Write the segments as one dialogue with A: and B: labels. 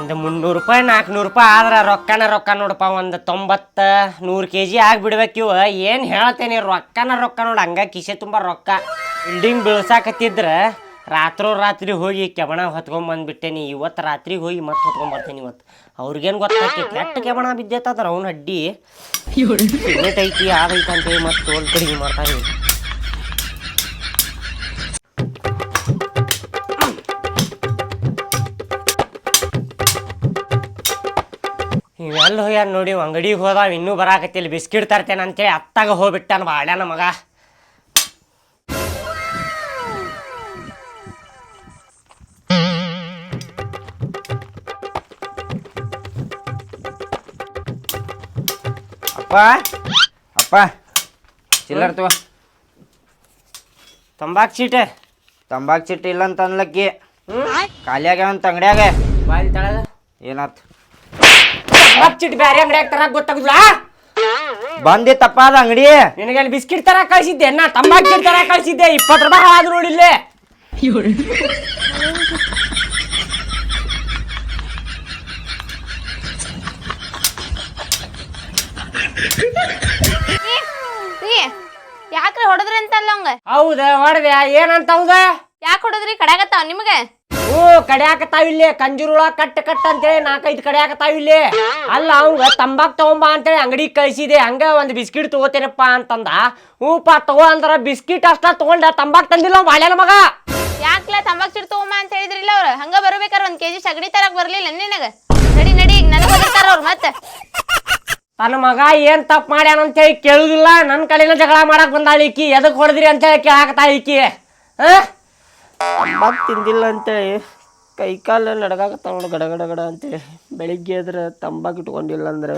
A: ಒಂದು 300 ರೂಪಾಯಿ 400 ರೂಪಾಯಿ ಆದ್ರೆ ರೊಕ್ಕ ನೋಡಪ್ಪ. ಒಂದು 90-100 kg ಆಗಿಬಿಡ್ಬೇಕು. ಇವು ಏನು ಹೇಳ್ತೇನೆ, ರೊಕ್ಕ ನೋಡಿ. ಹಂಗ ಕಿಸೆ ತುಂಬ ರೊಕ್ಕ. ಬಿಲ್ಡಿಂಗ್ ಬೀಳ್ಸಾಕತ್ತಿದ್ರೆ ರಾತ್ರಿ ಹೋಗಿ ಕೆಬಣ ಹೊತ್ಕೊಂಡ್ಬಂದ್ಬಿಟ್ಟೇನಿ. ಇವತ್ತು ರಾತ್ರಿ ಹೋಗಿ ಮತ್ತೆ ಹೊತ್ಕೊಂಡ್ಬರ್ತೇನೆ. ಇವತ್ತು ಅವ್ರಿಗೇನು ಗೊತ್ತಾಕಿ ಕೆಟ್ಟ ಕೆಬಣ ಬಿದ್ದೈತಂದ್ರೆ ಅವ್ನ ಅಡ್ಡಿ ಸಿಮೆಂಟ್ ಐತಿ ಅದೈತಿ ಅಂತೇಳಿ ಮತ್ತೆ ತೋಲ್ ಕಡಿಗೆ ಮಾಡ್ತಾರೆ. ಇವೆಲ್ಲ ಹೋಗ್ಯಾನ ನೋಡಿ. ಅಂಗಡಿಗೆ ಹೋದಾವ ಇನ್ನೂ ಬರಾಕತ್ತಿಲ್ಲ. ಬಿಸ್ಕಿಟ್ ತರ್ತೇನೆ ಅಂತೇಳಿ ಅತ್ತಾಗ ಹೋಗ್ಬಿಟ್ಟಾನ ಬಾಳ್ಯಾನ ಮಗ.
B: ಅಪ್ಪ ಚಿಲ್ಲರ್ ತಗೋ.
A: ತಂಬಾಕ್ ಚೀಟೆ
B: ಇಲ್ಲ ಅಂತ ಅನ್ಲಕ್ಕಿ ಖಾಲಿ ಆಗ್ಯಾವಂತ ಅಂಗಡ್ಯಾಗ.
A: ಬಾಯಿ ತಳದ
B: ಏನಾತ್?
A: ತಂಬಾಕ್ ಚೀಟ್ ಬ್ಯಾರೆ ಅಂಗಡಿಯಾಗ ತರಕ್ ಗೊತ್ತಾಗುದಿಲ್ಲ.
B: ಬಂದಿತ್ತಪ್ಪ ಅದ ಅಂಗಡಿ.
A: ನಿನಗೆ ಅಲ್ಲಿ ಬಿಸ್ಕಿಟ್ ತರ ಕಳ್ಸಿದ್ದೆ. ನಾ ತಂಬಾಕ್ ಚೀಟ್ ತರ ಕಳ್ಸಿದ್ದೆ. 20 ರೂಪಾಯಿ ಆದ್ರು ನೋಡಿಲ್ಲೇ.
C: ಯಾಕ್ರಿ ಹೊಡದ್ರಿ ಅಂತಲ್ಲ ಅವಂಗ?
A: ಹೌದ ಹೊಡೆದೆ. ಏನಂತ ಹೌದ?
C: ಯಾಕೆ ಹೊಡದ್ರಿ? ಕಡ್ಯಾಗತ್ತಾವ ನಿಮ್ಗೆ?
A: ಕಡ್ಯಾಕತ್ತಾವಿಲ್ಲೇ. ಕಂಜೂರುಳ ಕಟ್ ಅಂತೇಳಿ 4-5 ಕಡ್ಯಾಕತ್ತಾವಿಲ್ಲೇ. ಅಲ್ಲ ಅವಂಗ ತಂಬಾಕ್ ತಗೊಂಬ ಅಂತೇಳಿ ಅಂಗಡಿಗೆ ಕಳ್ಸಿದೆ. ಹಂಗ ಒಂದು ಬಿಸ್ಕಿಟ್ ತಗೋತೇನಪ್ಪ ಅಂತಂದ. ಹೂಪ ತಗೋ ಅಂದ್ರ ಬಿಸ್ಕಿಟ್ ಅಷ್ಟ ತಗೊಂಡ ತಂಬಾಕ್ ತಂದಿಲ್ಲ ಬಾಳ್ಯಾನ ಮಗ.
C: ಯಾಕ್ಲ ತಂಬಾಕ್ ಚಿಟ್ ತಗೊಂಬ ಅಂತ ಹೇಳಿದ್ರಿಲ್ಲ ಅವ್ರು? ಹಂಗ ಬರ್ಬೇಕಾರ 1 kg ಸಗಣಿ ತರಕ್ ಬರ್ಲಿಲ್ಲ ನಿನಗ? ನಡಿ ಈಗ ನನಗೆ ಹೋಗಿರ್ತಾರ ಅವ್ರು. ಮತ್ತೆ
A: ತನ್ನ ಮಗ ಏನ್ ತಪ್ಪು ಮಾಡ್ಯಾನ ಅಂತೇಳಿ ಕೇಳುದಿಲ್ಲ. ನನ್ನ ಕಡೆನ ಜಗಳ ಮಾಡಕ್ ಬಂದಾಳ ಈಕಿ. ಎದಕ್ ಹೊಡೆದ್ರಿ ಅಂತೇಳಿ ಕೇಳಾಕತ್ತಾಳ ಈಕಿ. ತಂಬಾಕ್ ತಿಂದಿಲ್ಲ ಅಂತೇಳಿ ಕೈಕಾಲ ನಡಗಾಕತ್ತಾವ ನೋಡು ಗಡ ಅಂತೇಳಿ. ಬೆಳಿಗ್ಗೆ ಎದ್ರೆ ತಂಬಾಕ್ ಇಟ್ಕೊಂಡಿಲ್ಲ ಅಂದ್ರೆ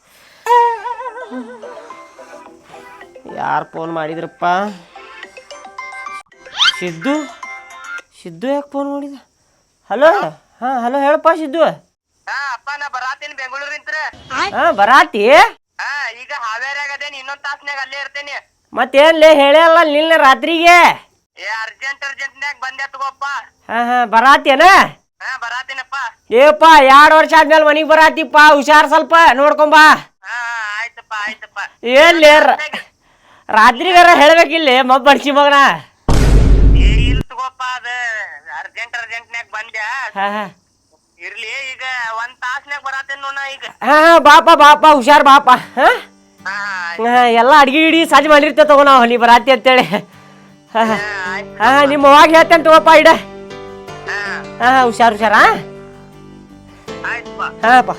A: ಯಾರು ಫೋನ್ ಮಾಡಿದ್ರಪ್ಪ? ಸಿದ್ದು ಯಾಕೆ ಫೋನ್ ಮಾಡಿದ? ಹಲೋ. ಹಲೋ ಹೇಳಪ್ಪ ಸಿದ್ದು.
D: ಅಪ್ಪ ನಾ ಬರಾತೀನಿ ಬೆಂಗಳೂರಿಂತ್ರ.
A: ಬರಾತಿ?
D: ಈಗ ಹಾವೇರಿಯಾಗ ಅದೇನಿ. ಇನ್ನೊಂದ್ ತಾಸ್ನ್ಯಾಗ ಅಲ್ಲೇ ಇರ್ತೇನಿ.
A: ಮತ್ತೇನ್ಲೇ ಹೇಳಲ್ಲ ನಿನ್ನ ರಾತ್ರಿಗೆ?
D: ಅರ್ಜೆಂಟ್ನ್ಯಾಗ ಬಂದೆ ತಗೋಪ್ಪ.
A: ಬರಾತೇನ?
D: ಬರಾತೀನಪ್ಪ.
A: ಏಪ್ಪ 2 ವರ್ಷ ಆದ್ಮೇಲೆ ಮನಿಗ್ ಬರಾತಿಪ್ಪ. ಹುಷಾರ್ ಸ್ವಲ್ಪ ನೋಡ್ಕೊಂಬಾ.
D: ಆಯ್ತಪ್ಪ.
A: ಏನ್ಲೇ ರಾತ್ರಿಗಾರ ಹೇಳ್ಬೇಕಿಲ್ಲ ಮಬ್ಬ ಬಡ್ಸಿ ಮಗನ.
D: ಇಲ್ಲ ತಗೋಪ್ಪ. ಅದ ಅರ್ಜೆಂಟ್ನ್ಯಾಗ ಬಂದ್ಯಾ. ಇರ್ಲಿ ಈಗ 1 ತಾಸ್ನ್ಯಾಗ ಬರಾತೇನ್ ನೋಡ ಈಗ.
A: ಬಾಪ ಹುಷಾರ್ ಬಾಪ. ಎಲ್ಲ ಅಡ್ಗಿ ಗಿಡಿ ಸಾಜ್ ಮಾಡಿರ್ತೇವೆ ತಗೋ ನಾವು ನೀ ಬರಾತಿ ಅಂತೇಳಿ. ನಿಮ್ಮ ಅವಾಗ ಹೇಳ್ತೇನೆ ತಗೋಪ್ಪ ಇಡ. ಹುಷಾರ್. ಹಾಪ.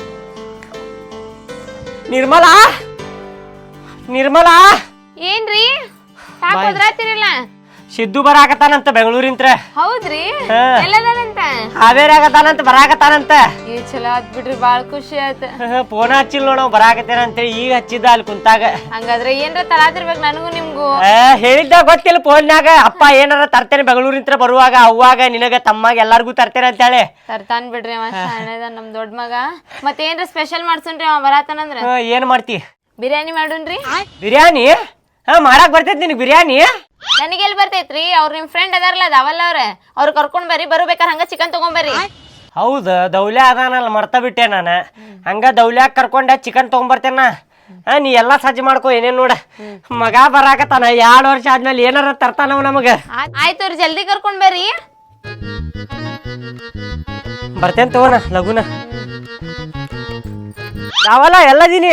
A: ನಿರ್ಮಲಾ
C: ಏನ್ರಿ ಹೋದ್ರಾತಿರಿಲ್ಲ?
A: ಸಿದ್ದು ಬರಾಕತ್ತಾನಂತ ಬೆಂಗಳೂರಿಂತ್ರ.
C: ಹೌದ್ರಿ? ಎಲ್ಲದಾನಂತ?
A: ಹಾವೇರಿಯಾಗತ್ತಾನಂತ ಬರಾಕತ್ತಾನಂತ.
C: ಚಲೋ ಆತ್ ಬಿಡ್ರಿ, ಬಾಳ್ ಖುಷಿ ಆಯ್ತ.
A: ಫೋನ್ ಹಚ್ಚಿಲ್ ನೋಡ ಬರಾಕತ್ತೇನ ಅಂತೇಳಿ. ಈಗ ಹಚ್ಚಿದ್ದ ಅಲ್ಲಿ ಕುಂತಾಗ.
C: ಹಂಗಾದ್ರೆ ಏನ್ರ ತರಾತಿರ್ಬೇಕು ನನಗೂ ನಿಮ್ಗೂ.
A: ಹೇಳಿದ್ದ ಗೊತ್ತಿಲ್ಲ ಫೋನ್ಯಾಗ. ಅಪ್ಪ ಏನಾರ ತರ್ತೇನೆ ಬೆಂಗಳೂರಿಂತ್ರ ಬರುವಾಗ. ಅವಾಗ ನಿನಗ ತಮ್ಮಾಗ ಎಲ್ಲಾರ್ಗು ತರ್ತೇನೆ ಅಂತೇಳಿ.
C: ತರ್ತಾನ್ ಬಿಡ್ರಿ ಅವ ಶಾಣೆದ ನಮ್ ದೊಡ್ಡ ಮಗ. ಮತ್ತೇನ್ರ ಸ್ಪೆಷಲ್ ಮಾಡ್ಸನ್ರಿ ಅವ ಬರಾತನಂದ್ರ?
A: ಏನ್ ಮಾಡ್ತಿ?
C: ಬಿರಿಯಾನಿ ಮಾಡುನ್ರಿ.
A: ಬಿರಿಯಾನಿ? ಮಾಡಾಕ್ ಬರ್ತೈತಿ ನಿನಗ್ ಬಿರಿಯಾನಿ?
C: ನನಗೆಲ್ ಬರ್ತೈತ್ರಿ? ಅವ್ರ ನಿಮ್ ಫ್ರೆಂಡ್ ಅದಾರಲ್ಲ ದಾವಲ್ಲ ಅವ್ರ ಕರ್ಕೊಂಡ್ ಬರ್ರಿ. ಬರ್ಬೇಕಾರ ಹಂಗ ಚಿಕನ್ ತಗೊಂಬರ್ರಿ.
A: ಹೌದ ದೌಲ್ಯ ಅದಾನಲ್ಲ ಮರ್ತ ಬಿಟ್ಟೆ ನಾನು. ಹಂಗ ದೌಲ್ಯಾಗ ಕರ್ಕೊಂಡೆ ಚಿಕನ್ ತಗೊಂಬರ್ತೇನ. ನೀ ಎಲ್ಲಾ ಸಜ್ಜು ಮಾಡ್ಕೊ. ಏನೇನ್ ನೋಡ ಮಗ ಬರಾಕತ್ತಾನ. 2 ವರ್ಷ ಆದ್ಮೇಲೆ ಏನಾರ ತರ್ತಾನವ್ ನಮಗ.
C: ಆಯ್ತು ಜಲ್ದಿ ಕರ್ಕೊಂಡ್ ಬರ್ರಿ.
A: ಬರ್ತೇನ್ ತಗೋಣ ಲಗುನ. ದಾವಲ್ಲ ಎಲ್ಲದೀನಿ?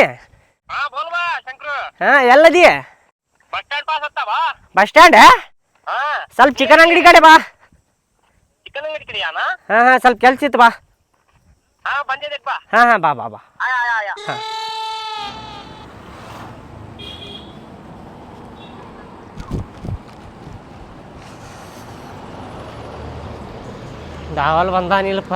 A: ಎಲ್ಲದಿ? Bus stand. ಸ್ವಲ್ಪ ಚಿಕನ್ ಅಂಗಡಿ ಕಡೆ ಬಾ. ಸ್ವಲ್ಪ ಕೆಲ್ಸ ಇತ್ತು ಬಾ. ಬಾ. ದಾವಲ್ ಬಂದಾನಿಲ್ಲಪ್ಪ.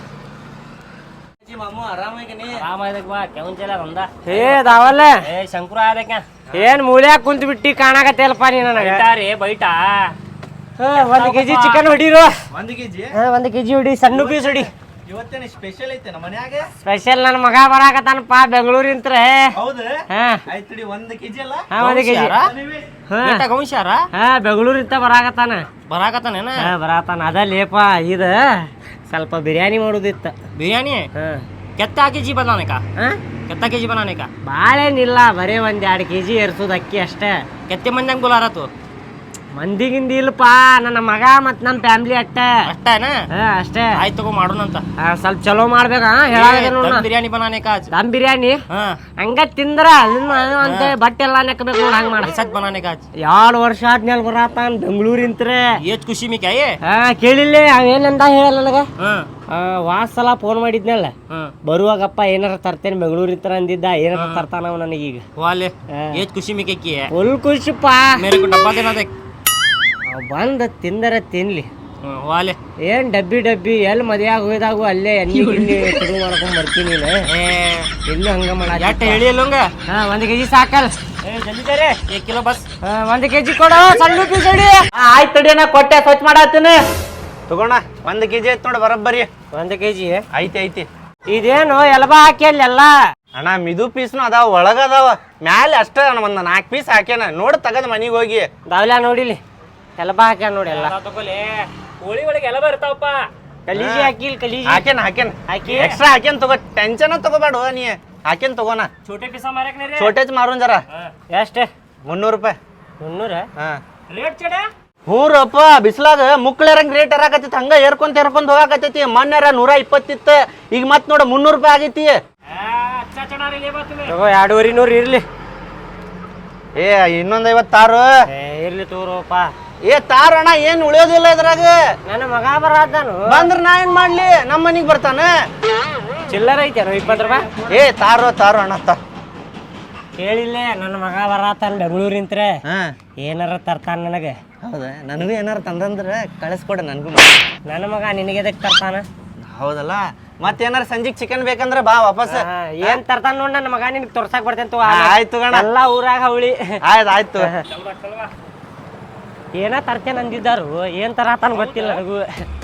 A: ದಾವಲ್ಲ ಶಂಕರ ಏನ್ ಮೂಲ್ಯಾಗ ಕುಂತ ಬಿಟ್ಟಿ ಕಾಣಕತ್ತೇಲ್ಪ ನೀ ನನಗ. ಬೈಟ 1 kg ಚಿಕನ್ ಹೊಡಿರು. 1 kg ಹೊಡಿ. ಸಣ್ಣ ಪೀಸ್ ಹೊಡಿ.
E: ಇವತ್ತೇನೆ ಸ್ಪೆಷಲ್ ಐತೆ ನಮ್ಮ ಮನ್ಯಾಗ.
A: ಸ್ಪೆಷಲ್ ನನ್ನ ಮಗ ಬರಾಕತ್ತಾನಪ್ಪ ಬೆಂಗಳೂರಿಂತ್ರ.
E: ಹೌದು? ಆಯ್ತು 1 kg ಅಲ್ಲ?
A: 1 kg. ಬೆಂಗಳೂರಿಂತ ಬರಾಕತ್ತಾನ. ಬರಾಕತ್ತಾನ ಅದ ಲೇಪ. ಇದ ಸ್ವಲ್ಪ ಬಿರಿಯಾನಿ ಮಾಡೋದಿತ್ತು.
F: बिरयानी है कितना केजी बनाने का कितना केजी बनाने का
A: ಭಾಳೇನಿಲ್ಲ, ಬರೀ 1-2 kg ಏರ್ಸೋದು ಅಕ್ಕಿ ಅಷ್ಟೇ.
F: कितने मंदिर बुला रहा तू
A: ಮಂದಿಗಿಂದ ಇಲ್ಲಪ್ಪ, ನನ್ನ ಮಗ ಮತ್ ನಮ್ಮ ಫ್ಯಾಮಿಲಿ ಅಷ್ಟೇ.
F: ಅಷ್ಟೇ
A: ಅಷ್ಟೇ.
F: ಆಯ್ತು ತಗೋ ಮಾಡೋಣಂತ.
A: ಸ್ವಲ್ಪ ಚಲೋ ಮಾಡ್ಬೇಕಾ ಹೇಳಾಗ
F: ಬಿರಿಯಾನಿ बनाने का आज
A: ದಮ್ ಬಿರಿಯಾನಿ ಹಂಗ ತಿಂದ್ರ ಅಂತ ಬಟ್ಟೆ ಎಲ್ಲಾ ನೆಕ್ಬೇಕು ನೋಡ್ ಹಂಗ ಮಾಡ.
F: सच बनाने का आज
A: 2 ವರ್ಷ ಆದ್ಮೇಲೆ ಬರತಾನ ಬೆಂಗಳೂರಿಂತ್ರ.
F: ये खुशी में क्या है
A: ಕೇಳಿಲ್ಲ ಅವೇನಂದ ಹೇಳಲ್ಲ ನನಗ. ವಾಸ್ ಸಲ ಫೋನ್ ಮಾಡಿದ್ನಲ್ಲ, ಬರುವಾಗಪ್ಪ ಏನಾರ ತರ್ತೇನೆ ಬೆಂಗಳೂರಿಂತ್ರ ಅಂದಿದ್ದ. ಏನಾರ ತರ್ತಾನ ಅವ ನನಗೀಗ.
F: वाले ये खुशी में क्या किया है
A: ಫುಲ್ ಖುಷಿಪ್ಪ.
F: मेरे को डब्बा देना देख
A: ಬಂದ ತಿಂದರ ತಿನ್ಲಿ.
F: वाले
A: ಏನ್ ಡಬ್ಬಿ ಎಲ್ಲಿ ಮದ್ವೆಯಾಗ ಹೋಯ್ದಾಗು ಅಲ್ಲೇ ಎಣ್ಣೆ ಗಿಣ್ಣಿ ಶುರು ಮಾಡ್ಕೊಂಡ್ ಬರ್ತೀನಿ ನೀನು. ಇಲ್ಲೂ ಹಂಗ ಮಾಡ.
F: ಎಟ್ಟ ಹೇಳಿ ಅಲ್ಲಂಗ
A: 1 kg ಸಾಕಲ್.
F: ಜಲ್ದಿ ಬೇರೆ 1 ಕಿಲೋ ಬಸ್
A: 1 kg ಕೊಡು, ಸಣ್ಣ ಪೀಸ್ ಹೊಡಿ.
B: ಆಯ್ತು ತಡಿ, ನಾ ಕೊಟ್ಟೆ ಸ್ವಚ್ಛ ಮಾಡತ್ತೀನಿ. ತಗೋಣ 1 kg ಐತ್ ನೋಡಿ ಬರಬ್ಬರಿ.
A: 1 kg
B: ಐತಿ.
A: ಇದೇನು ಎಲ್ಬಾ ಹಾಕಿ ಅಲ್ಲೆಲ್ಲ
B: ಅಣ್ಣ ಮಿದು ಪೀಸ್ನು ಅದಾವ, ಒಳಗ ಅದಾವ, ಮ್ಯಾಲೆ ಅಷ್ಟ ಒಂದ್ 4 ಪೀಸ್ ಹಾಕ್ಯಾನ. ನೋಡಿ ತಗದ್ ಮನಿಗೆ ಹೋಗಿ
A: ದಾವ್ಲ ನೋಡಿಲಿ, ಎಲ್ಬಾ ಹಾಕ್ಯಾನ ನೋಡಿ ಎಲ್ಲ.
F: ತಗೊಲೆ ಕೋಳಿ ಒಳಗೆ ಎಲ್ಲ ಬರ್ತಾವಪ್ಪ.
A: ಕಲೀಜಿ ಹಾಕಿಲ್, ಕಲೀಜಿ
B: ಹಾಕ್ಯಾನ
A: ಹಾಕಿ
B: ಎಕ್ಸ್ಟ್ರಾ ಹಾಕ್ಯಾನ. ತಗೋ, ಟೆನ್ಷನ್ ತಗೋಬೇಡ ನೀ. ಹಾಕ್ಯಾನ ತಗೋಣ.
F: छोटे पीसा मारे नहीं रे
B: छोटेच ಮಾರೋನ್ ಜರ.
A: ಎಷ್ಟೇ
B: 300 ರೂಪಾಯಿ.
A: 300?
B: ಹಾ
F: रेट चढ़े
B: ಹ್ಞೂ ರಪ್ಪ, ಬಿಸ್ಲಾಗ ಮುಕ್ಳರಂಗ್ ರೇಟ್ ಏರಾಕತ್ತೈತಿ. ಹಂಗ ಏರ್ಕೊಂತ ಹೋಗಾಕತ್ತೈತಿ. ಮೊನ್ನೆ 120 ಇತ್ತು, ಈಗ ಮತ್ ನೋಡ 300 ರೂಪಾಯಿ ಆಗೈತಿ.
F: अच्छा चढ़ा रही लेबा तुम्हें
A: ತಗೋ 200 ಇರ್ಲಿ.
B: ಏ ಇನ್ನೊಂದ್ 56
A: ಇರ್ಲಿ ತಗೋರಪ್ಪ.
B: ತಾರಣ ಏನ್ ಉಳಿಯೋದಿಲ್ಲ ಇದ್ರಾಗ.
A: ನನ್ನ ಮಗ ಬರಾದಾನು
B: ಬಂದ್ರ ನಾ ಏನ್ ಮಾಡ್ಲಿ, ನಮ್ಮ ಮನಿಗ್ ಬರ್ತಾನ.
A: ಚಿಲ್ಲರ್ ಐತೇನು 20 ರೂಪಾಯಿ?
B: ತಾರೋ ಅಣ್ಣ
A: ಕೇಳಿಲ್ಲ, ನನ್ನ ಮಗ ಬರಾತಾನ ಬೆಂಗಳೂರಿಂತ್ರ. ಏನಾರ ತರ್ತಾನ ನನಗೆ.
B: ಹೌದಾ, ನನಗೂ ಏನಾರ ತಂದಂದ್ರ ಕಳಿಸ್ಕೊಡ. ನನ್ಗೂ
A: ನನ್ನ ಮಗ ನಿನಗೆ ಎದಕ್ ತರ್ತಾನ?
B: ಹೌದಲ್ಲ, ಮತ್ತೇನಾರ ಸಂಜಿಗ್ ಚಿಕನ್ ಬೇಕಂದ್ರ ಬಾ ವಾಪಸ್.
A: ಏನ್ ತರ್ತಾನ ನೋಡ್ ನನ್ನ ಮಗ, ನಿನಗೆ ತೋರ್ಸಾಕ್ ಬರ್ತೇನೆ.
B: ಆಯ್ತು ಗಣ,
A: ಎಲ್ಲಾ ಊರಾಗ ಅವಳಿ.
B: ಆಯ್ತು.
A: ಏನ ತರ್ತೇನೆ ಅಂದಿದ್ದಾರು, ಏನ್ ತರತಾನ ಗೊತ್ತಿಲ್ಲ ನನಗೂ.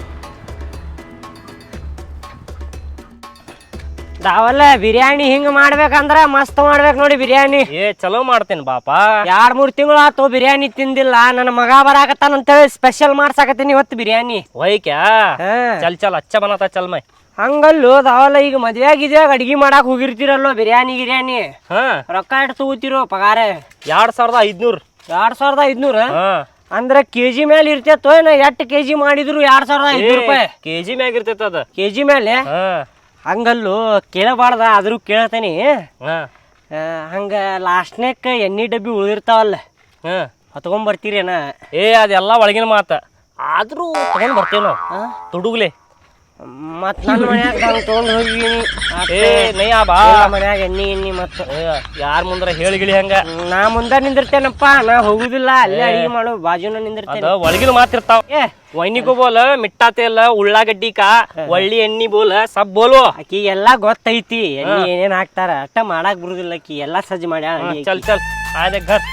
A: ದಾವಲ್ಲ ಬಿರಿಯಾನಿ ಹಿಂಗ ಮಾಡ್ಬೇಕಂದ್ರ ಮಸ್ತ್ ಮಾಡ್ಬೇಕು ನೋಡಿ ಬಿರಿಯಾನಿ.
F: ಚಲೋ ಮಾಡ್ತೇನೆ ಬಾಪ.
A: 2-3 ತಿಂಗಳು ಆತು ಬಿರಿಯಾನಿ ತಿಂದಿಲ್ಲ. ನನ್ನ ಮಗ ಬರಾಕತ್ತಾನ ಅಂತೇಳಿ ಸ್ಪೆಷಲ್ ಮಾಡ್ಸಾಕತ್ತೀನಿ ಇವತ್ತು ಬಿರಿಯಾನಿ.
F: वही क्या चल चल अच्छा बनाता चल मैं
A: ಹಂಗಲ್ಲೋ ದಾವಲ್ಲ, ಈಗ ಮದ್ವೆಯಾಗಿದ್ಯಾಗ ಅಡ್ಗಿ ಮಾಡಾಕ್ ಹೋಗಿರ್ತೀರಲ್ಲೋ ಬಿರಿಯಾನಿ ರೊಕ್ಕ ಎಷ್ಟು ತಗೋತಿರೋ ಪಗಾರ?
F: 2500
A: 2500 ಅಂದ್ರ ಕೆಜಿ ಮೇಲೆ ಇರ್ತೇತೋ ಏನ? 8 kg ಮಾಡಿದ್ರು 2500 ರೂಪಾಯಿ
F: ಕೆಜಿ ಮ್ಯಾಗ ಇರ್ತೈತ ಅದ.
A: ಕೆಜಿ ಮೇಲೆ ಹಂಗಲ್ಲೋ, ಕೇಳಬಾರ್ದ ಆದ್ರೂ ಕೇಳ್ತೇನಿ. ಹಂಗ ಲಾಸ್ಟ್ನೇಕ್ ಎಣ್ಣೆ ಡಬ್ಬಿ ಉಳಿದಿರ್ತಾವಲ್ಲ, ಹೊತ್ಕೊಂಡ್ ಬರ್ತೀರೇನ?
F: ಅದೆಲ್ಲ ಒಳಗಿನ ಮಾತ, ಆದ್ರೂ ತಗೊಂಡ್ ಬರ್ತೇವ್ ನಾವು ತುಡುಗ್ಲೆ.
A: ಮತ್ ನನ್ನ ಮನ್ಯಾಗ ಹಂಗ ತಗೊಂಡ್ ಹೋಗಿನಿ. ಮನ್ಯಾಗ ಎಣ್ಣಿ ಮತ್ತ
F: ಯಾರ ಮುಂದ್ರ ಹೇಳಿಗಿಳಿ ಹಂಗ.
A: ನಾ ಮುಂದ ನಿಂದಿರ್ತೇನಪ್ಪ, ನಾ ಹೋಗುದಿಲ್ಲ. ಅಲ್ಲೇ ಅಡಿಗೆ ಮಾಡೋ ಬಾಜುನ ನಿಂದಿರ್ತೇನೆ.
F: ಒಳಗಿನ ಮಾತಿರ್ತಾವ. ವೈನಿಗೂ ಬೋಲ ಮಿಟ್ಟಾ ತೇಲ ಉಳ್ಳಾಗಡ್ಡಿ ಕಾ ಒಳ್ಳಿ ಎಣ್ಣಿ ಬೋಲ ಸಬ್ ಬೋಲು.
A: ಆಕಿ ಎಲ್ಲಾ ಗೊತ್ತೈತಿ ಎಣ್ಣಿ ಏನೇನ್ ಹಾಕ್ತಾರ, ಅಟ್ಟ ಮಾಡಾಕ್ ಬರುದಿಲ್ಲ. ಆಕಿ ಎಲ್ಲಾ ಸಜ್ಜ ಮಾಡ್ಯಾಳ.
F: ಚಲ್ ಚಲ್ ಆಯ್ತು ಘರ್.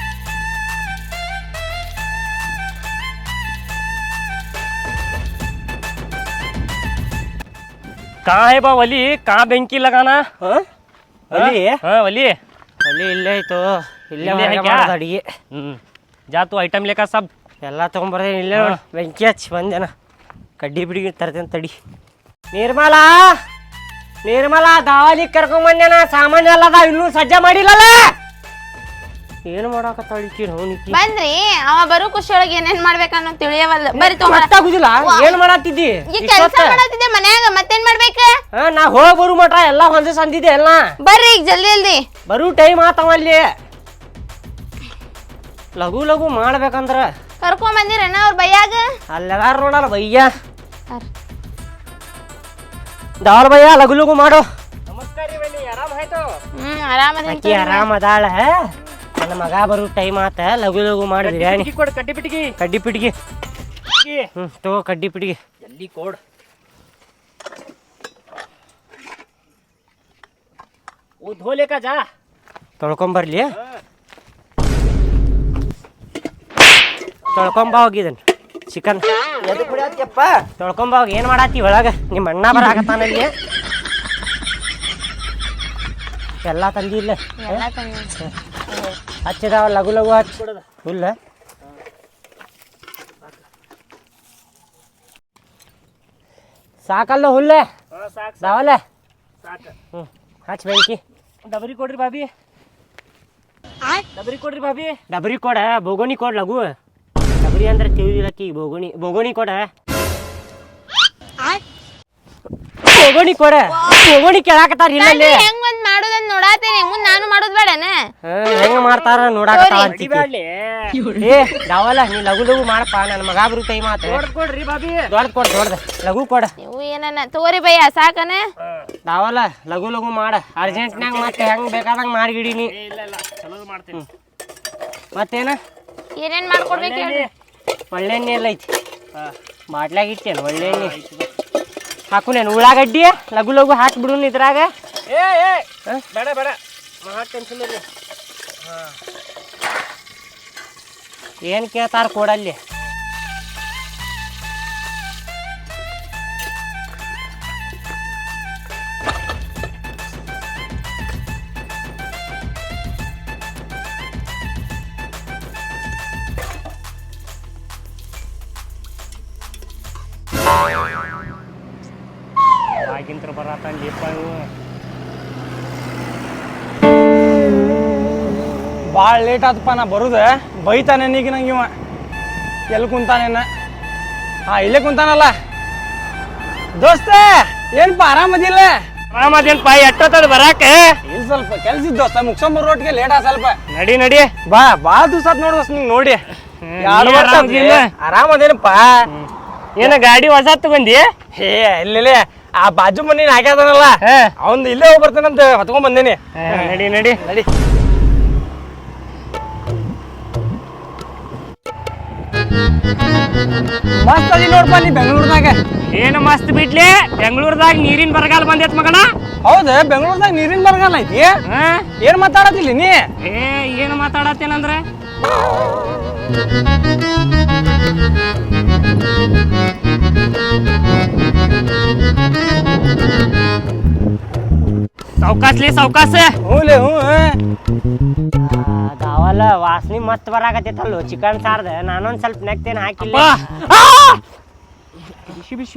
F: कहाँ है बा वली, कहाँ बेंकी लगाना?
A: ಒಲಿ
F: हाँ वली
A: ಒಲಿ ಇಲ್ಲೇ ಐತು. ಇಲ್ಲೇ
F: है क्या?
A: ಅಡಿಗೆ.
F: जा तू आइटम लेकर सब.
A: ಎಲ್ಲಾ ತಗೊಂಡ್ಬರ್ತೇನೆ. ಇಲ್ಲೇ ನೋಡಿ ಬೆಂಕಿ ಹಚ್ಚಿ ಬಂದೇನ. ಕಡ್ಡಿ ಬಿಡಿಗೆ ತರ್ತೇನೆ ತಡಿ. ನಿರ್ಮಲಾ ದಾವಾಲಿ ಕರ್ಕೊಂಡ್ ಬಂದೇನ. ಸಾಮಾನ್ಯ ಅಲ್ಲದ ಇನ್ನೂ ಸಜ್ಜ ಮಾಡಿಲ್ಲಲ್ಲ. ಏನ್ ಮಾಡಾಕತ್ತಾಳಿಕಿ ನೋನಿಕಿ?
C: ಬಂದ್ರಿ, ಅವ ಬರೋ ಖುಷಿ ಒಳಗೆ ಏನೇನ್ ಮಾಡ್ಬೇಕನ್ನೋ ತಿಳಿಯವಲ್ಲ. ಬರಿ
A: ಗೊತ್ತಾಗುದಿಲ್ಲ. ಏನ್ ಮಾಡಾತಿದ್ದಿ?
C: ಈ ಕೆಲಸ ಮಾಡತ್ತಿದ್ದೆ ಮನ್ಯಾಗ, ಮತ್ತೇನ್ ಮಾಡ್ಬೇಕ?
A: ನಾ ಹೋಗ್ ಬರು ಮಟ ಎಲ್ಲಾ ಹೊಂದಿಸ್ ಅಂದಿದ್ದೆ ಎಲ್ಲ.
C: ಬರ್ರಿ ಈಗ ಜಲ್ದಿ
A: ಬರು ಟೈಮ್ ಆತವಲ್ಲಿ. ಲಘು ಮಾಡ್ಬೇಕಂದ್ರ
C: ಕರ್ಕೊಂಡ್ ಬಂದಿರೇನ ಅವ್ರ ಬೈಯಾಗ?
A: ಅಲ್ಲೆಲ್ಲಾರು ನೋಡಲ್ಲ ಬಯ್ಯ. ದಾವಲ್ ಬಯ್ಯ ಲಘು ಮಾಡು.
F: ನಮಸ್ಕಾರ ರೀ ಬನ್ನಿ, ಆರಾಮ ಆಯ್ತು?
C: ಆರಾಮದ.
A: ಆರಾಮ ಅದಾಳ. ನನ್ನ ಮಗ ಬರು ಟೈಮ್ ಆತ. ಲಘು ಮಾಡಿ ಬಿರಿಯಾನಿ
F: ಕೊಡು. ಕಡ್ಡಿ ಪಿಟಿಗಿ
A: ತಗೋ ಕಡ್ಡಿ ಪಿಟಿಗಿ.
F: ಜಲ್ದಿ ಕೊಡ್. वो धो लेकर जा.
A: ತೊಳ್ಕೊಂಬರ್ಲಿ. ತೊಳ್ಕೊಂಬ ಹೋಗಿದನ್ ಚಿಕನ್. ತೊಳ್ಕೊಂಬ ಹೋಗಿ. ಏನ್ ಮಾಡಾತಿ ಒಳಗ? ನಿಮ್ಮ ಅಣ್ಣ ಬರಾಕತ್ತಾನಲ್ಲಿ. ಎಲ್ಲಾ ತಂದಿಲ್ಲ. ಹಚ್ಚಿದಾವ ಲಘು ಹಚ್ಚಿ ಫುಲ್. ಸಾಕಲ್ಲ ಹುಲ್ಲೆ
F: ಸಾಕು
A: ದಾವಲ್ಲ
F: ಸಾಕು
A: ಹಚ್ ಬೆಂಕಿ
F: ಡಬರಿ ಕೊಡ್ರಿ ಬಾಬಿ ಡಬರಿ ಕೊಡ್ರಿ ಬಾಬಿ
A: ಡಬರಿ ಕೊಡ ಬೋಗೋಣಿ ಕೊಡ್ ಲಘು ಡಬರಿ ಅಂದ್ರೆ ತಿಳಿದಿಲ್ಲಕ್ಕಿ ಬೋಗೋಣಿ ಕೊಡ ಬೋಗೋಣಿ ಕೊಡ ಬೋಗೋಣಿ ಕೇಳಾಕತ್ತಾರ ಇಲ್ಲಲ್ಲಿ
C: ಹೆಂಗ್ ಒಂದ್ ಮಾಡೋದನ್ನ ನೋಡಾತೇನೆ ಮುಂದ್ ನಾನು ಮಾಡೋದ್ ಬೇಡನ
A: ಹೆಂಗ್ ಮಾಡ್ತಾರ ನೋಡಾಕತ್ತಾವ ಅಂತಿ
F: ಬ್ಯಾಡ್ಲಿ
A: ಏ ದಾವಲ್ಲ ನೀ ಲಘು ಲಘು ಮಾಡಪ್ಪ ನನ್ನ ಮಗ ಬರುತ್ತೆ ಮಾತು
F: ಕೊಡ್ರಿ ಬಾಬಿ
A: ದೊಡ್ಡ ಲಘು ಕೊಡ
C: ನೀವು ಏನನ್ನ ತಗೋರಿ ಭಯ್ಯ ಸಾಕನ
A: ದಾವಲ್ಲ ಲಘು ಲಘು ಮಾಡ ಅರ್ಜೆಂಟ್ನಾಗ ಮತ್ತೆ ಹೆಂಗ್ ಬೇಕಾದಂಗ ಮಾಡಿಗಿಡೀನಿ
F: ಇಲ್ಲ ಚಲೋ ಮಾಡ್ತೀನಿ
A: ಮತ್ತೇನ
C: ಏನೇನ್ ಮಾಡ್ಕೊಡ್ಬೇಕು ಹೇಳ್ರಿ
A: ಒಳ್ಳೆ ಎಣ್ಣೆ ಎಲ್ಲ ಐತಿ ಬಾಟ್ಲಾಗ ಇಟ್ಟೇನು ಒಳ್ಳೆ ಎಣ್ಣೆ ಹಾಕು ನೇನು ಉಳ್ಳಾಗಡ್ಡಿ ಲಘು ಲಘು ಹಾಕ್ಬಿಡು ಇದ್ರಾಗ
F: ಬೇಡ ಟೆನ್ಷನ್ ಇರ್ಲಿ
A: ಏನು ಕೇಳ್ತಾರ ಕೊಡಲ್ಲಿ ಆಗಿಂತ್ರ ಬರತ್ತಂದಿಪ್ಪ ಇವು
G: ಭಾಳ ಲೇಟ್ ಆತಪ್ಪ ನಾ ಬರುದ ಬೈತಾನೆ ಈಗ ನಂಗೆ ಇವ ಎಲ್ಲಿ ಕುಂತಾನೇನ ಇಲ್ಲೇ ಕುಂತಾನಲ್ಲ ದೋಸ್ತ ಏನಪ್ಪ ಆರಾಮದಿಲ್ಲ
F: ಆರಾಮದೇನ್ಪ ಎಟ್ಟೊತ್ತದ ಬರಾಕ
G: ಇಲ್ಲಿ ಸ್ವಲ್ಪ ಕೆಲ್ಸ ಇದ್ದು ದೋಸ್ತ ಮುಗ್ಸೊಂಬರ್ ರೋಟ್ಗೆ ಲೇಟ್ ಆ ಸ್ವಲ್ಪ
F: ನಡಿ
G: ಭಾಳ ದಿವಸ ಆತ್ ನೋಡ್ ದೋಸ್ತ ನಿಂಗೆ ನೋಡಿ
F: ಆರಾಮದೇನಪ್ಪ ಏನ ಗಾಡಿ ಹೊಸ ತಗೊಂಡಿ
G: ಹೇ ಇಲ್ಲೇ ಆ ಬಾಜು ಮನಿ ಹಾಕ್ಯಾದನಲ್ಲ ಅವ್ನ್ ಇಲ್ಲೇ ಹೋಗಿ ಬರ್ತಾನಂತ ಹೊತ್ಕೊಂಡ್ ಬಂದೇನಿ
F: ನಡಿ
G: ಮಸ್ತ್ ಅದಿ ನೋಡ್ಪ ನೀ ಬೆಂಗಳೂರ್ದಾಗ
F: ಏನು ಮಸ್ತ್ ಬಿಡ್ಲಿ ಬೆಂಗಳೂರದಾಗ ನೀರಿನ ಬರಗಾಲ ಬಂದೈತ್ ಮಗನ
G: ಹೌದ ಬೆಂಗಳೂರ್ದಾಗ ನೀರಿನ ಬರಗಾಲ ಐತಿ ಏನ್ ಮಾತಾಡತಿಲ್ಲ ನೀ
F: ಏನು ಮಾತಾಡತ್ತೇನಂದ್ರೆ ಸಾವ್ಕಾಸ
G: ಹ್ಞೂಲೆ ಹ್ಞೂ
A: ದಾವಲ್ಲ ವಾಸನೆ ಮಸ್ತ್ ಬರಾಕತ್ತೈತಲ್ಲೋ ಚಿಕನ್ ಸಾರ್ದ ನಾನೊಂದ್ ಸ್ವಲ್ಪ ನೆಕ್ತೇನೆ ಹಾಕಿಲ್ಲ ಬಿಸಿ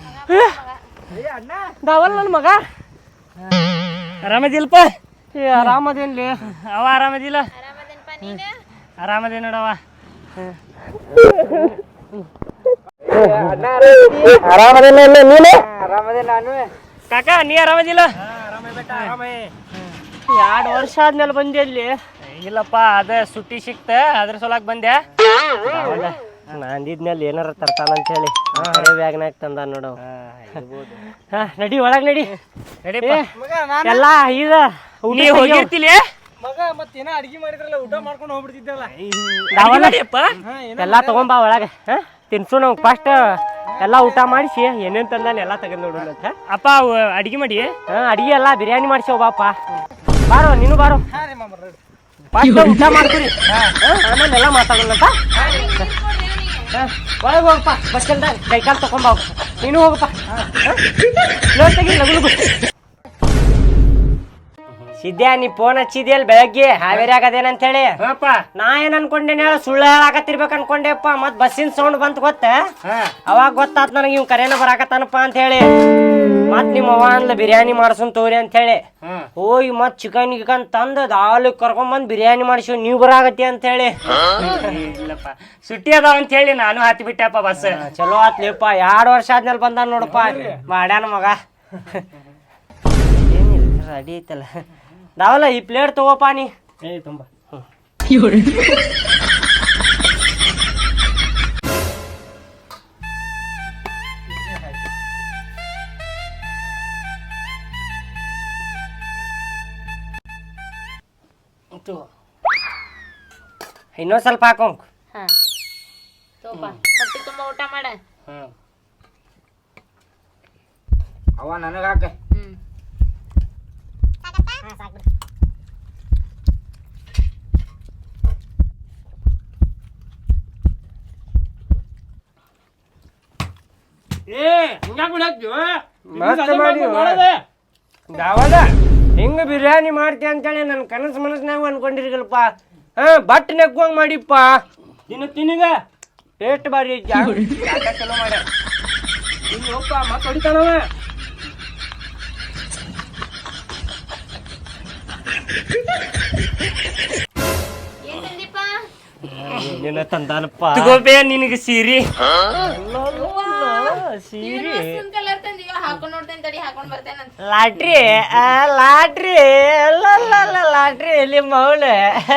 A: ದಾವಲ್ಲ ನನ್ನ ಮಗ
F: ಆರಾಮದಿಲ್ಪ
A: ಆರಾಮದೇನ್ಲಿ
F: ಅವ ಆರಾಮದಿಲ್ಲ ಆರಾಮದೇ ನೋಡವ ಕಾಕ ನೀ ಆರಾಮದಿಲ್ಲ
A: 2 ವರ್ಷ ಆದ್ಮೇಲೆ ಬಂದೆ ಅಲ್ಲಿ
F: ಇಲ್ಲಪ್ಪ ಅದ ಸುಟ್ಟಿ ಸಿಕ್ತ ಅದ್ರ ಸಲುವಾಗಿ ಬಂದೆ
A: ಅಂದಿದ್ಮೇಲೆ ಏನಾರ ತರ್ತಾನಂತ ಹೇಳಿ ಬ್ಯಾಗ್ನಾಗ ತಂದ ನೋಡವ್ ನಡಿ ಒಳಗ್ ನಡಿ ಎಲ್ಲ ಈಗ
F: ನೀ ಹೋಗಿರ್ತಿಲಿ
G: ಮಗ ಮತ್ತೇನ ಅಡ್ಗಿ ಮಾಡಿದ್ರಲ್ಲ ಊಟ ಮಾಡ್ಕೊಂಡು ಹೋಗ್ಬಿಡ್ತಿದ್ದಲ್ಲ
A: ಎಲ್ಲಾ ತಗೊಂಬಾ ಒಳಗೆ ತಿನ್ಸು ನಾವು ಫಸ್ಟ್ ಎಲ್ಲಾ ಊಟ ಮಾಡಿಸಿ ಏನೇನ್ ತಂದಾನ ಎಲ್ಲಾ ತಗೊಂಡ್ ನೋಡೋಣ ಅಂತ
F: ಅಪ್ಪ ಅಡಿಗೆ ಮಾಡಿ
A: ಅಡಿಗೆ ಎಲ್ಲಾ ಬಿರಿಯಾನಿ ಮಾಡಿಸಿ ಬಾಪ ಬಾರೋ ನೀನು ಬಾರೋ ಫಸ್ಟ್ ಊಟ ಮಾಡ್ತೀರಿ ಆಮೇಲೆ ಎಲ್ಲ ಮಾತಾಡೋಣಂತ ಒಳಗೆ ಹೋಗಪ್ಪ ಬಸ್ ಸ್ಟ್ಯಾಂಡ್ ಕೈಕಾಲು ತಗೊಂಬ ನೀನು ಹೋಗಪ್ಪ ತೆಗಿ ಲಗು ಸಿದ್ಯಾ ನೀ ಫೋನ್ ಹಚ್ಚಿದ್ಯಲ್ ಬೆಳಗ್ಗೆ ಹಾವೇರಿ ಆಗದೇನಂತ ಹೇಳಿ ನಾ ಏನ್ ಅನ್ಕೊಂಡೇನೆ ಹೇಳ ಸುಳ್ಳು ಹೇಳಾಕತ್ತಿರ್ಬೇಕು ಅನ್ಕೊಂಡೆಪ್ಪ ಮತ್ ಬಸ್ಸಿನ ಸೌಂಡ್ ಬಂತ ಗೊತ್ತ ಅವಾಗ ಗೊತ್ತಾತ್ ನನಗೆ ಇವ್ ಕರೇನ ಬರಾಕತ್ತಾನಪ್ಪ ಅಂತ ಹೇಳಿ ಮತ್ ನಿಮ್ಮ ಅವ್ವ ಅಂದ್ಲ ಬಿರಿಯಾನಿ ಮಾಡ್ಸೋನ್ ತೋರಿ ಅಂತ ಹೇಳಿ ಹೋಗಿ ಮತ್ ಚಿಕನ್ ಗಿಕನ್ ತಂದ್ ದಾಲ್ ಕರ್ಕೊಂಡ್ ಬಂದ್ ಬಿರಿಯಾನಿ ಮಾಡಿಸಿ ನೀವ್ ಬರಾಕತ್ತಿ ಅಂತ ಹೇಳಿ
F: ಇಲ್ಲಪ್ಪ ಸುಟ್ಟಿ ಅದಾವ ಅಂತ ಹೇಳಿ ನಾನು ಹತ್ತಿ ಬಿಟ್ಟೆಪ್ಪ ಬಸ್
A: ಚಲೋ ಆತ್ಲಿಪ್ಪ 2 ವರ್ಷ ಆದ್ಮೇಲೆ ಬಂದ ನೋಡಪ್ಪ ಮಾಡ್ಯಾನ ಮಗ ಏನಿಲ್ಲ ರೆಡಿ ಐತಲ್ಲ ದಾವಲ್ಲ ಈ ಪ್ಲೇಟ್ ತಗೋಪ್ಪ ನೀ
F: ತುಂಬ
A: ಇನ್ನೊಂದ್ ಸ್ವಲ್ಪ ಹಾಕೋಂಕ್
C: ಹೊಟ್ಟಿ ತುಂಬಾ ಊಟ ಮಾಡ
B: ಅವ ನನಗ ಹಾಕ
A: ದಾವಲ್ಲ ಹಿಂಗ ಬಿರಿಯಾನಿ ಮಾಡ್ತಿ ಅಂತೇಳಿ ನನ್ ಕನಸು ಮನಸ್ನಾಗ ಅನ್ಕೊಂಡಿರ್ಗಲ್ಪ ಬಟ್ ನೆಗ್ಗುವಂಗ್ ಮಾಡಿಪ್ಪ ತಿನ್ನೀಗ ಟೇಸ್ಟ್ ಬಾರಿ ಚಲೋ ಮಾಡ್ಯ
F: ಇನ್ನೊಪ್ಪ ಮತ್ ಹೊಡಿತಾನವ.
C: ಏನ್ ತಂದಿಪ್ಪ?
A: ಏನೇನ ತಂದಾನಪ್ಪ.
F: ತಗೋಬೇ ನಿನಗೆ ಸೀರಿ.
A: ಸೀರೆ
C: ಕಲರ್ ತಂದಿವ ಹಾಕೊಂಡ್ ನೋಡ್ತೇನೆ ತಡಿ ಹಾಕೊಂಡ್ ಬರ್ತೇನಂತ.
A: ಲಾಟ್ರಿ ಲಾಟ್ರಿ ಲಾಟ್ರಿ ಇಲ್ಲಿ ಮೌಳೆ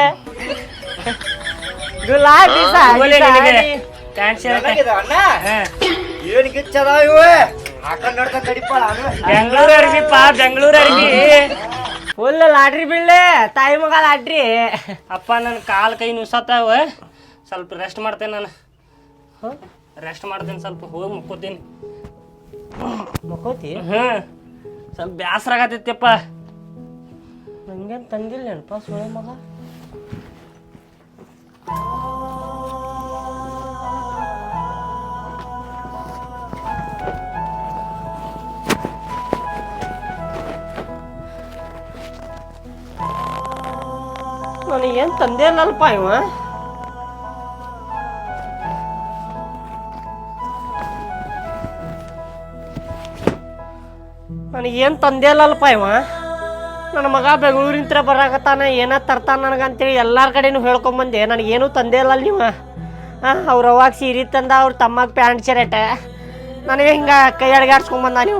A: ಗುಲಾಬಿ
F: ತಗೋಲೆ ನಿನಗೆ
A: ಸಾರಿ
F: ಪ್ಯಾಂಟ್ ಶರ್ಟ್.
E: ಏನ್ ಗಿಚ್ಚದಾವ ಇವೆ ಹಾಕೊಂಡ್ ನೋಡ್ಕೊಂಡ್ ತಡಿಪಾಳ
F: ಬೆಂಗಳೂರು ಅರ್ಬಿಪ್ಪ, ಬೆಂಗಳೂರು ಅರ್ಬಿ.
A: ಫುಲ್ ಲಾಟ್ರಿ ಬೀಳ್ಳೆ ತಾಯಿ ಮಗ ಲಾಟ್ರಿ.
F: ಅಪ್ಪ ನನ್ನ ಕಾಲ್ ಕೈ ನುಸತ್ತಾವ, ಸ್ವಲ್ಪ ರೆಸ್ಟ್ ಮಾಡ್ತೇನೆ ನಾನು. ರೆಸ್ಟ್ ಮಾಡ್ತೇನೆ, ಸ್ವಲ್ಪ ಹೋಗಿ ಮುಕ್ಕೋತೀನಿ.
A: ಮಕ್ಕೋತಿ
F: ಸ್ವಲ್ಪ ಬ್ಯಾಸರ ಆಗತ್ತೈತಿಯಪ್ಪ.
A: ನಂಗೇನು ತಂದಿಲ್ಲ ನೆನಪ ಸುಳೆ ಮಗ. ನನಗೇನು ತಂದೆ ಇಲ್ಲಲ್ಪ ಇವ. ನನಗೇನು ತಂದೆ ಇಲ್ಲಲ್ಪ ಇವ. ನನ್ನ ಮಗ ಬೆಂಗಳೂರಿಂತ್ರ ಬರಾಕತ್ತಾನ, ಏನ ತರ್ತಾನ ನನಗಂತೇಳಿ ಎಲ್ಲಾರ ಕಡೆನೂ ಹೇಳ್ಕೊಂಬಂದೆ. ನನಗೇನು ತಂದೆ ಇಲ್ಲ ನೀವು. ಅವ್ರ ಅವಾಗ ಸೀರೆ ತಂದ, ಅವ್ರ ತಮ್ಮಗೆ ಪ್ಯಾಂಟ್ ಶರ್ಟ್, ನನಗೆ ಹಿಂಗೆ ಕೈ ಅಡ್ಗಾಡ್ಸ್ಕೊಂಬಂದ ನೀವು.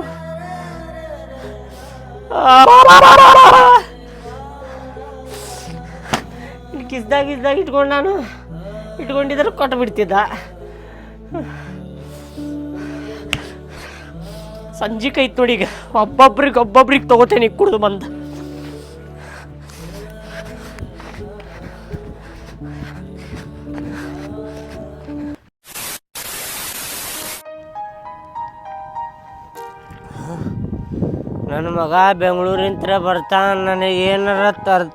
A: ಕಿಸ್ದಾಗ ಇಟ್ಕೊಂಡು ನಾನು ಇಟ್ಕೊಂಡಿದ್ರೆ ಕೊಟ್ಟು ಬಿಡ್ತಿದ್ದ. ಸಂಜೆ ಕೈತ್ ನೋಡಿ, ಈಗ ಒಬ್ಬೊಬ್ರಿಗೆ ತಗೋತೇನೆ ಕುಡ್ದು ಬಂದು. ನನ್ನ ಮಗ ಬೆಂಗಳೂರಿಂತ್ರ ಬರ್ತಾನ, ನನಗೆ ಏನಾರ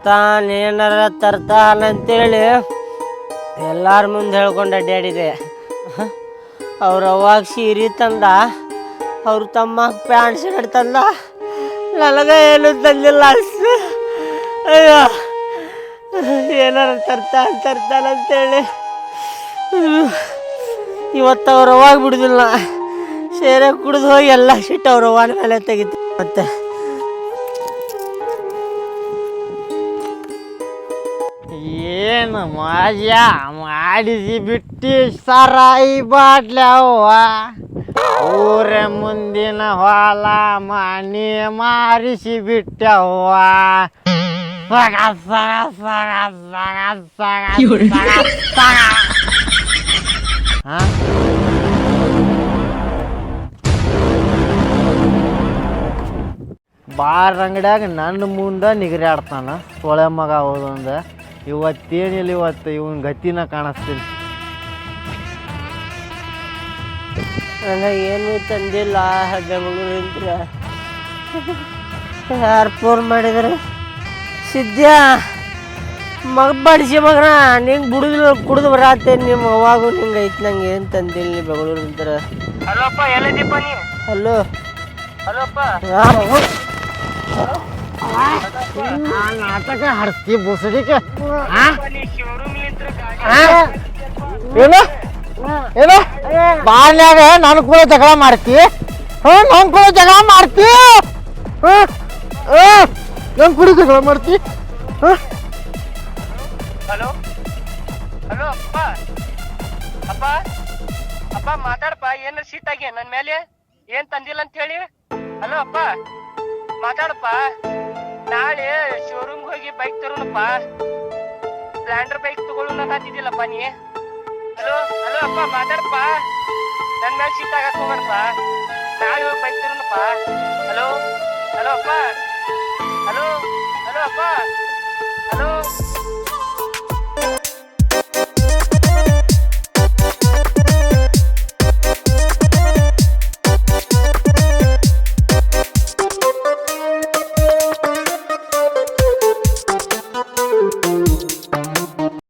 A: ತರ್ತಾನ ಅಂತೇಳಿ ಎಲ್ಲಾರ ಮುಂದೆ ಹೇಳ್ಕೊಂಡು ಅಡ್ಡಾಡಿದೆ. ಅವ್ರ ಅವಾಗ ಸೀರೆ ತಂದ, ಅವ್ರ ತಮ್ಮ ಪ್ಯಾಂಟ್ ಶರ್ಟ್ ತಂದ, ನನಗೆ ಏನು ತಂದಿಲ್ಲ. ಅಯ್ಯೋ, ಏನಾರ ತರ್ತಾನಂತೇಳಿ ಇವತ್ತು ಅವ್ರ ಅವಾಗ ಬಿಡುದಿಲ್ಲ. ಸೇರೆ ಕುಡಿದು ಹೋಗಿ ಎಲ್ಲ ಸಿಟ್ಟು ಅವ್ರ ಅವ್ವನ ಮೇಲೆ ತೆಗಿತು. ಮತ್ತೆ
B: ಏನು ಮಜಾ ಮಾಡಿಸಿ ಬಿಟ್ಟಿ ಸರಾಯಿ ಬಾಟ್ಲೆ ಅವ್ವ. ಊರ ಮುಂದಿನ ಹೊಲ ಮನೆ ಮಾರಿಸಿ ಬಿಟ್ಟವ್ವ. ಬಾರ್ ಅಂಗಡ್ಯಾಗ ನನ್ನ ಮುಂದೆ ನಿಗರಾಡ್ತಾನ ಸೊಳೆ ಮಗ ಹೋದಂದ. ಇವತ್ತೇನಿಲ್ಲ, ಇವನ್ ಗತಿನ ಕಾಣಿಸ್ತೀನಿ.
A: ನನಗೇನು ತಂದಿಲ್ಲ ಬೆಂಗಳೂರಿಂತ್ರ. ಯಾರು ಫೋನ್ ಮಾಡಿದ್ರೆ ಸಿದ್ಯಾ ಮಗ ಬಡಿಸಿ ಮಗನ ನಿಂಗೆ ಬಿಡುದಿಲ್ಲ, ಕುಡಿದು ಬರತ್ತೇನೆ. ನಿಮ್ಮ ಅವಾಗೂ ನಿಂಗೆ ಐತಿ, ನಂಗೆ ಏನು ತಂದಿಲ್ಲ ನೀ ಬೆಂಗಳೂರಿಂತ್ರ.
F: ಹಲೋ ಅಪ್ಪ, ಎಲ್ಲಿದ್ದೀಪ್ಪ ನೀ?
A: ಹಲೋ
F: ಹಲೋ ಅಪ್ಪ.
B: ನಾಟಕ ಹಡ್ಸ್ತಿ ಬುಸಡಿಕೆ.
F: ನೀ
B: ಏನು ಬಾಳ್ನ್ಯಾಗ ನನ್ ಕೂಡ ಜಗಳ ಮಾಡ್ತಿ? ನನ್ ಕೂಡ ಜಗಳ ಮಾಡ್ತಿ? ನನ್ ಕೂಡ ಜಗಳ ಮಾಡ್ತಿ?
F: ಹಲೋ ಹಲೋ ಅಪ್ಪ, ಅಪ್ಪ ಅಪ್ಪ ಮಾತಾಡಪ್ಪ. ಏನಾರ ಸೀಟಾಗಿ ನನ್ನ ಮೇಲೆ ಏನ್ ತಂದಿಲ್ಲ ಅಂತ ಹೇಳಿ. ಹಲೋ ಅಪ್ಪ ಮಾತಾಡಪ್ಪ. ನಾಳೆ ಶೋರೂಮ್ ಹೋಗಿ ಬೈಕ್ ತರೋಣಪ್ಪ. ಸ್ಪ್ಲೆಂಡರ್ ಬೈಕ್ ತಗೊಳ್ಳೋಣ ಅಂತಿದ್ದಿಲ್ಲಪ್ಪ ನೀ. ಹಲೋ ಹಲೋ ಅಪ್ಪ ಮಾತಾಡಪ್ಪ. ನನ್ನ ಮೇಲೆ ಸೀಟ್ ಆಗಕ್ ಹೋಗ್ಬೇಡಪ್ಪ. ನಾಳೆ ಹೋಗಿ ಬೈಕ್ ತರೋಣಪ್ಪ. ಹಲೋ ಹಲೋ ಅಪ್ಪ. ಹಲೋ ಹಲೋ ಅಪ್ಪ. ಹಲೋ